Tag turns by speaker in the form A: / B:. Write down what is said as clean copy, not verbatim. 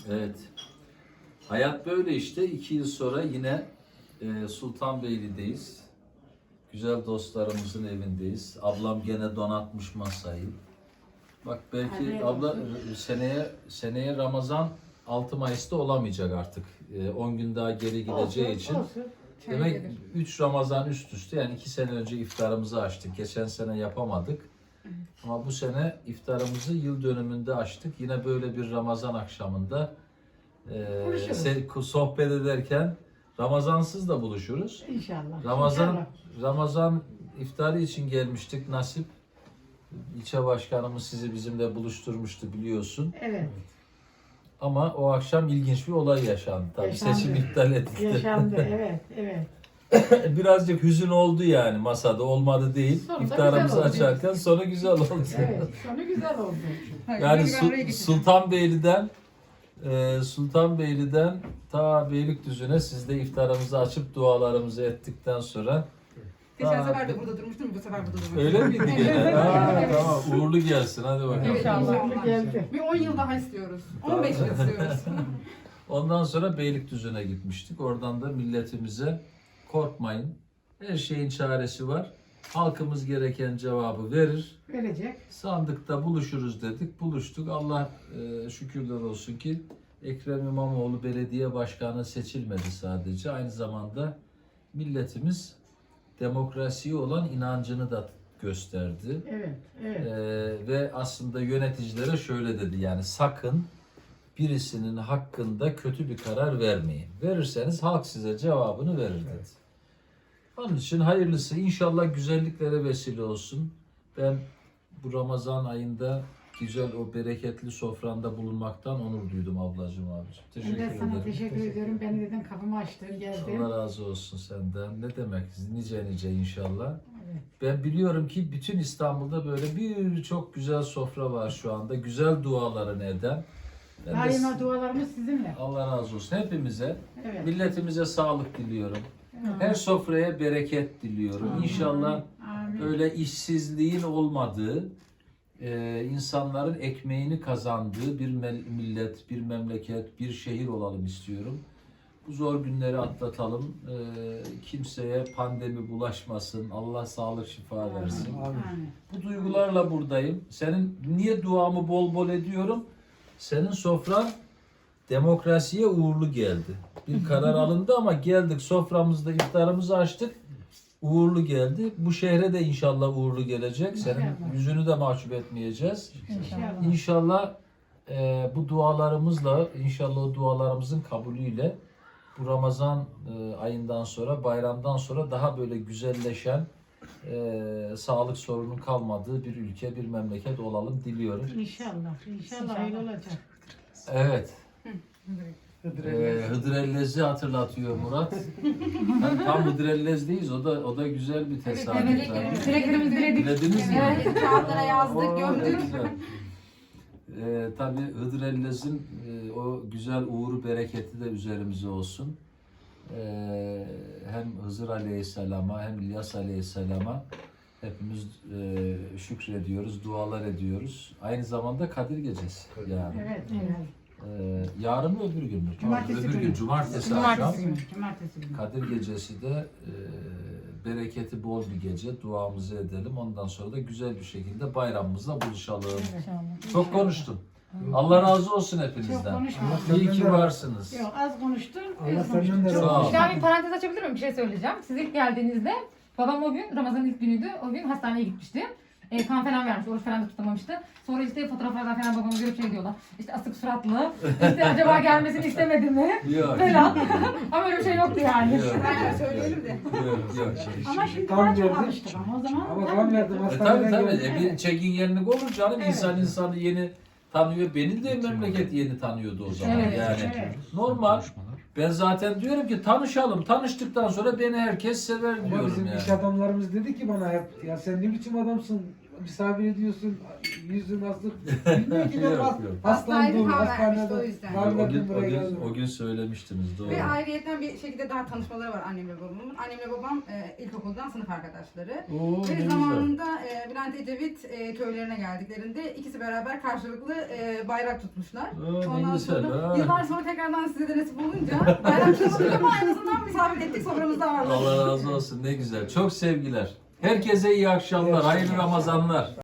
A: Evet. Hayat böyle işte. 2 yıl sonra yine Sultanbeyli'deyiz. Güzel dostlarımızın evindeyiz. Ablam gene donatmış masayı. Bak belki
B: Afiyet
A: abla
B: olsun.
A: seneye Ramazan 6 Mayıs'ta olamayacak artık. 10 gün daha geri gideceği için.
B: Olsun.
A: Demek 3 Ramazan üst üste, yani 2 sene önce iftarımızı açtık. Geçen sene yapamadık. Ama bu sene iftarımızı yıl dönümünde açtık. Yine böyle bir Ramazan akşamında sohbet ederken Ramazansız da buluşuruz.
B: İnşallah.
A: Ramazan iftarı için gelmiştik, nasip. İlçe başkanımız sizi bizimle buluşturmuştu, biliyorsun.
B: Evet.
A: Ama o akşam ilginç bir olay yaşandı. Tabii
B: Yaşandı.
A: seçim iptal edildi.
B: Yaşandı. Evet. Evet.
A: Birazcık hüzün oldu yani masada, olmadı değil.
B: Sonunda
A: İftarımızı
B: güzel oldu.
A: açarken sonu güzel oldu.
B: Evet. Sonu güzel oldu.
A: Yani Sultanbeyli'den ta Beylikdüzü'ne siz de iftarımızı açıp dualarımızı ettikten sonra
C: Geçen sefer de burada durmuştum, bu sefer burada durmuştum.
A: öyle miydi gene? Tamam, uğurlu gelsin, hadi bakalım.
C: Evet,
B: İnşallah. Geldi.
C: Bir 10 yıl daha istiyoruz. 15 yıl istiyoruz.
A: Ondan sonra Beylikdüzü'ne gitmiştik. Oradan da milletimize korkmayın, her şeyin çaresi var. Halkımız gereken cevabı verir.
B: Verecek.
A: Sandıkta buluşuruz dedik. Buluştuk. Allah şükürler olsun ki Ekrem İmamoğlu belediye başkanı seçilmedi sadece. Aynı zamanda milletimiz demokrasiye olan inancını da gösterdi.
B: Evet. Evet.
A: Ve aslında yöneticilere şöyle dedi, yani sakın birisinin hakkında kötü bir karar vermeyin. Verirseniz halk size cevabını verir dedi. Onun için hayırlısı, inşallah güzelliklere vesile olsun. Ben bu Ramazan ayında güzel o bereketli sofranda bulunmaktan onur duydum ablacığım, abicim.
B: Ben
A: Teşekkür
B: de sana
A: ederim.
B: teşekkür ediyorum. Beni dedim kapımı açtın, geldin.
A: Allah razı olsun senden. Ne demek? Nice inşallah.
B: Evet.
A: Ben biliyorum ki bütün İstanbul'da böyle birçok güzel sofra var şu anda. Güzel duaların eden. Ben de
B: Daima dualarımız sizinle.
A: Allah razı olsun hepimize.
B: Evet.
A: Milletimize sağlık diliyorum.
B: Evet.
A: Her sofraya bereket diliyorum.
B: Amin.
A: İnşallah
B: Amin.
A: böyle işsizliğin olmadığı, insanların ekmeğini kazandığı bir millet, bir memleket, bir şehir olalım istiyorum. Bu zor günleri atlatalım. Kimseye pandemi bulaşmasın. Allah sağlık şifa versin.
B: Amin.
A: Bu duygularla buradayım. Senin niye duamı bol bol ediyorum? Senin sofran demokrasiye uğurlu geldi. Bir karar alındı ama geldik, soframızda iftarımızı açtık. Uğurlu geldi. Bu şehre de inşallah uğurlu gelecek. Senin
B: İnşallah.
A: yüzünü de mahcup etmeyeceğiz.
B: İnşallah.
A: İnşallah bu dualarımızla, inşallah o dualarımızın kabulüyle bu Ramazan ayından sonra, bayramdan sonra daha böyle güzelleşen, sağlık sorunun kalmadığı bir ülke, bir memleket olalım diliyorum.
B: İnşallah. İnşallah öyle olacak.
A: Evet. Hıdrellez'i hatırlatıyor Murat. Yani tam Hıdrellez'deyiz. O da güzel bir tesadüf.
C: Dileklerimizi diledik.
A: Dilediniz mi?
C: Evet, kağıtlara yazdık,
A: Oo,
C: gömdük.
A: güzel. Tabii Hıdrellez'in o güzel uğuru, bereketi de üzerimize olsun. Hem Hızır Aleyhisselam'a hem İlyas Aleyhisselam'a hepimiz şükrediyoruz, dualar ediyoruz. Aynı zamanda Kadir Gecesi yani.
B: Evet. Evet.
A: Yarın mı öbür gün mü?
B: Cumartesi
A: Öbür gün,
B: günü.
A: cumartesi akşam.
B: Cumartesi günü.
A: Kadir Gecesi de bereketi bol bir gece. Duamızı edelim. Ondan sonra da güzel bir şekilde bayramımızla buluşalım. Çok konuştum. Allah razı olsun
B: Çok
A: hepinizden.
B: konuşma.
A: İyi ki varsınız.
B: Yok, az konuştun.
D: Allah
B: Az konuştun.
D: senden de
B: Çok
A: razı olsun.
B: konuştun.
C: Ben bir parantez açabilir miyim? Bir şey söyleyeceğim. Siz ilk geldiğinizde babam o gün Ramazan'ın ilk günüydü. O gün hastaneye gitmişti. Kan falan vermiş, oruç falan da tutamamıştı. Sonra işte fotoğraflardan falan babama görüp şey diyorlar. İşte asık suratlı, işte acaba gelmesini istemedi mi?
A: Yok.
C: Falan. Ama öyle bir şey yoktu yani.
A: Yok.
C: Bence söyleyelim de.
A: Yok.
B: Ama şimdi
D: Tam
B: daha çok
D: geldi.
B: alıştık ama o zaman.
D: Ama kan verdim
A: Tabii
D: hastaneden
A: tabii.
D: geldim.
A: Bir çekingenlik olur canım.
B: Evet.
A: İnsanı yeni tanıyor. Beni de memleket yeni tanıyordu o zaman.
C: Evet,
A: Yani
B: evet.
A: normal. Ben zaten diyorum ki tanışalım. Tanıştıktan sonra beni herkes sever
D: Ama
A: diyorum
D: bizim
A: yani.
D: iş adamlarımız dedi ki bana hep, ya sen ne biçim adamsın, misafir ediyorsun, yüzün nasıl? Bilmiyorum ki ben
A: Yok,
D: has-
A: yok.
D: hastalandım,
E: Hastaydı, kan vermişti,
D: hastanede.
E: o yüzden.
D: Rahmetli buraya geldim.
A: O gün söylemiştiniz doğru.
E: Ve ayrıyeten bir şekilde daha tanışmaları var annemle babamın. Annemle babam ilkokuldan sınıf arkadaşları.
A: Oo, ne
E: Ve
A: güzel.
E: zamanında Bülent Ecevit köylerine geldiklerinde ikisi beraber karşılıklı bayrak tutmuşlar.
A: Aa, ne güzel, ha.
E: yıllar sonra tekrardan size de nasip olunca bayrak tutmadık ama en azından misafir ettik, soframızda ağırladık.
A: Allah razı olsun, ne güzel. Çok sevgiler. Herkese iyi akşamlar, hayırlı Ramazanlar.